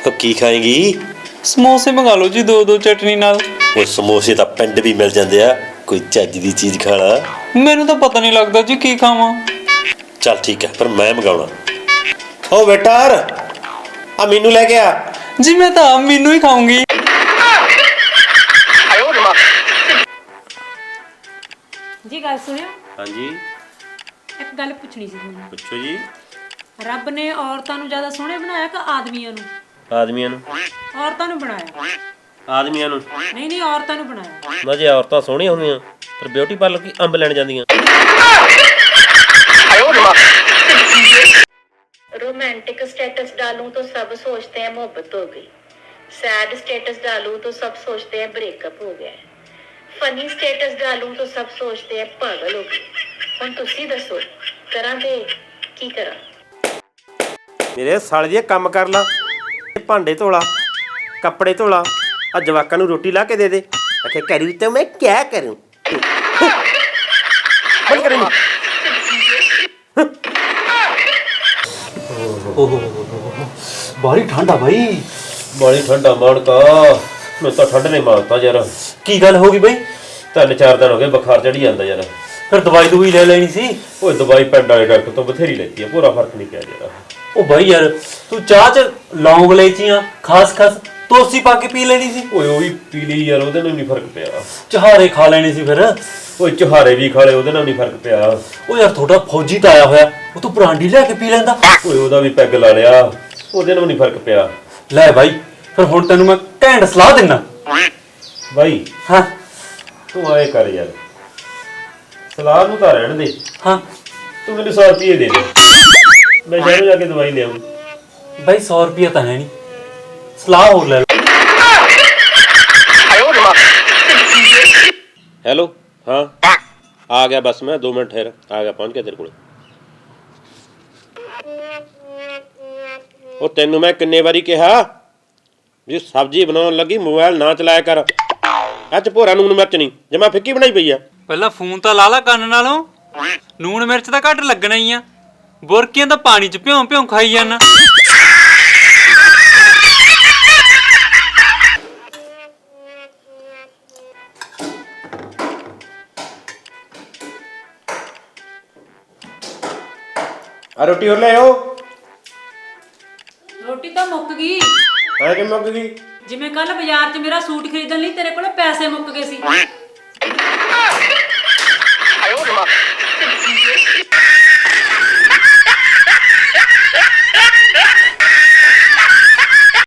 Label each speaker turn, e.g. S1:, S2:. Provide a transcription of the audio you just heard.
S1: तो की खाएगी?
S2: ਸਮੋਸੇ ਮੰਗਾ ਲਓ ਜੀ ਦੋ ਚਟਨੀ ਨਾਲ।
S1: ਉਹ ਸਮੋਸੇ ਤਾਂ ਪਿੰਡ ਵੀ ਮਿਲ ਜਾਂਦੇ ਆ, ਕੋਈ ਚੱਜ ਦੀ ਚੀਜ਼ ਖਾ ਲਾ।
S2: ਮੈਨੂੰ ਤਾਂ ਪਤਾ ਨਹੀਂ ਲੱਗਦਾ ਜੀ ਕੀ ਖਾਵਾਂ।
S1: ਚੱਲ ਠੀਕ ਹੈ, ਪਰ ਮੈਂ ਮੰਗਾਉਣਾ। ਓ ਵੇਟਰ, ਆ ਮੈਨੂੰ ਲੈ ਕੇ ਆ।
S2: ਜੀ ਮੈਂ ਤਾਂ ਮੈਨੂੰ ਹੀ ਖਾਊਂਗੀ।
S3: ਜੀ ਗੱਲ ਸੁਣਿਓ,
S1: ਹਾਂਜੀ
S3: ਇੱਕ ਗੱਲ ਪੁੱਛਣੀ ਸੀ ਤੁਹਾਨੂੰ।
S1: ਪੁੱਛੋ ਜੀ।
S3: ਰੱਬ ਨੇ ਔਰਤਾਂ ਨੂੰ ਜ਼ਿਆਦਾ ਸੋਹਣੇ ਬਣਾਇਆ ਕਿ ਆਦਮੀਆਂ ਨੂੰ?
S1: ਆਦਮੀਆਂ ਨੂੰ।
S3: ਔਰਤਾਂ ਨੂੰ ਬਣਾਇਆ।
S1: ਆਦਮੀਆਂ ਨੂੰ?
S3: ਨਹੀਂ ਔਰਤਾਂ ਨੂੰ ਬਣਾਇਆ।
S1: ਨਾ ਜੇ ਔਰਤਾਂ ਸੋਹਣੀਆਂ ਹੁੰਦੀਆਂ ਪਰ ਬਿਊਟੀ ਪਾਰਲਰ ਕੀ ਅੰਬ ਲੈਣ ਜਾਂਦੀਆਂ।
S4: रोमांटिक स्टेटस डालूं तो सब सोचते हैं मोहब्बत हो गई, सैड स्टेटस डालूं तो सब सोचते हैं ब्रेकअप हो गया है, फनी स्टेटस डालूं तो सब सोचते हैं पागल हो गई। हुण तुसी दसो करा ते की करा?
S1: ਮੇਰੇ ਸਾਲੇ ਦੀ ਕੰਮ ਕਰ ਲਾ, ਭਾਂਡੇ ਧੋਲਾ, ਕੱਪੜੇ ਧੋਲਾ, ਆ ਜਵਾਕਾਂ ਨੂੰ ਰੋਟੀ ਲਾ ਕੇ ਦੇ ਦੇ। ਆਖੇ ਕਰੂ ਤਾਂ ਮੈਂ ਕਿਆ ਕਰੂੰ? ਬੰਦ ਕਰੇ ਨੀ।
S2: ਬਾਹਲੀ ਠੰਡਾ ਬਾਈ।
S1: ਬਾਲੀ ਠੰਡਾ ਮਾਣਕਾ, ਮੈਂ ਤਾਂ ਠੰਡ ਨੇ ਮਾਰਤਾ ਯਾਰ।
S2: ਕੀ ਗੱਲ ਹੋ ਗਈ ਬਾਈ?
S1: 3-4 ਦਿਨ ਹੋ ਗਏ, ਬੁਖਾਰ ਚੜੀ ਜਾਂਦਾ ਯਾਰ।
S2: ਫਿਰ ਦਵਾਈ ਦੂਈ ਲੈ ਲੈਣੀ ਸੀ।
S1: ਓਏ ਦਵਾਈ ਪਿੰਡ ਵਾਲੇ ਡਾਕਟਰ ਤੋਂ ਬਥੇਰੀ ਲੈਤੀ ਆ, ਪੂਰਾ ਫਰਕ ਨਹੀਂ ਪਿਆ ਯਾਰ।
S2: ਉਹ ਬਾਈ ਯਾਰ ਤੂੰ ਚਾਹ ਚ ਲੌਂਗ ਇਲਾਇਚੀਆਂ ਖਾਸ ਤੋਸੀ ਪਾ ਕੇ ਪੀ ਲੈਣੀ ਸੀ।
S1: ਓਏ ਉਹ ਵੀ ਪੀ ਲਈ ਯਾਰ, ਉਹਦੇ ਨਾਲ ਨਹੀਂ ਫਰਕ ਪਿਆ।
S2: ਚਹਾਰੇ ਖਾ ਲੈਣੇ ਸੀ ਫਿਰ।
S1: ਓਏ ਚੁਹਾਰੇ ਵੀ ਖਾ ਲਏ, ਉਹਦੇ ਨਾਲ ਨਹੀਂ ਫਰਕ ਪਿਆ।
S2: ਉਹ ਯਾਰ ਤੁਹਾਡਾ ਫੌਜੀ ਤਾਂ ਆਇਆ ਹੋਇਆ, ਉਹ ਤੂੰ ਬਰਾਂਡੀ ਲੈ ਕੇ ਪੀ ਲੈਂਦਾ।
S1: ਓਏ ਉਹਦਾ ਵੀ ਪੈਗ ਲਾ ਲਿਆ, ਉਹਦੇ ਨਾਲ ਨਹੀਂ ਫਰਕ ਪਿਆ।
S2: ਲੈ ਬਾਈ ਫਿਰ ਹੁਣ ਤੈਨੂੰ ਮੈਂ ਘੈਂਟ ਸਲਾਹ ਦਿੰਦਾ।
S1: ਬਾਈ
S2: ਹਾਂ
S1: ਤੂੰ ਆਏ ਕਰ ਯਾਰ, ਸਲਾਹ ਨੂੰ ਤਾਂ ਰਹਿਣ ਦੇ।
S2: ਹਾਂ
S1: ਤੂੰ ਮੈਨੂੰ 100 ਰੁਪਏ ਦੇ ਦੇ, ਮੈਂ ਸ਼ਹਿਰੋਂ ਜਾ ਕੇ ਦਵਾਈ ਲਿਆਉਂ।
S2: ਬਾਈ 100 ਰੁਪਇਆ ਤਾਂ ਹੈ ਨਹੀਂ, ਸਲਾਹ ਹੋਰ ਲੈ ਲਓ।
S1: ਹੈਲੋ, ਹਾਂ ਆ ਗਿਆ ਬਸ, ਮੈਂ 2 ਮਿੰਟ ਠਹਿਰ ਆ ਗਿਆ, ਪਹੁੰਚ ਗਿਆ ਤੇਰੇ ਕੋਲ। ਉਹ ਤੈਨੂੰ ਮੈਂ ਕਿੰਨੇ ਵਾਰੀ ਕਿਹਾ ਜੀ ਸਬਜ਼ੀ ਬਣਾਉਣ ਲੱਗੀ ਮੋਬਾਈਲ ਨਾ ਚਲਾਇਆ ਕਰ। ਅੱਜ ਭੋਰਾ ਨੂਣ ਮਿਰਚ ਨਹੀਂ, ਜਮਾ ਫਿੱਕੀ ਬਣਾਈ ਪਈ ਆ।
S2: ਪਹਿਲਾਂ ਫੋਨ ਤਾਂ ਲਾ ਕੰਨ ਨਾਲੋਂ, ਨੂਣ ਮਿਰਚ ਤਾਂ ਘੱਟ ਲੱਗਣਾ ਹੀ ਆ। ਬੁਰਕੀਆਂ ਤਾਂ ਪਾਣੀ ਚ ਭਿਉਂ ਖਾਈ ਜਾਣਾ।
S1: ਆ ਰੋਟੀ ਹੋਰ ਲੈ ਆਓ।
S3: ਰੋਟੀ ਤਾਂ ਮੁੱਕ ਗਈ।
S1: ਐ ਕਿ ਮੁੱਕ ਗਈ?
S3: ਜਿਵੇਂ ਕੱਲ ਬਾਜ਼ਾਰ 'ਚ ਮੇਰਾ ਸੂਟ ਖਰੀਦਣ ਲਈ ਤੇਰੇ ਕੋਲ ਪੈਸੇ ਮੁੱਕ ਗਏ ਸੀ।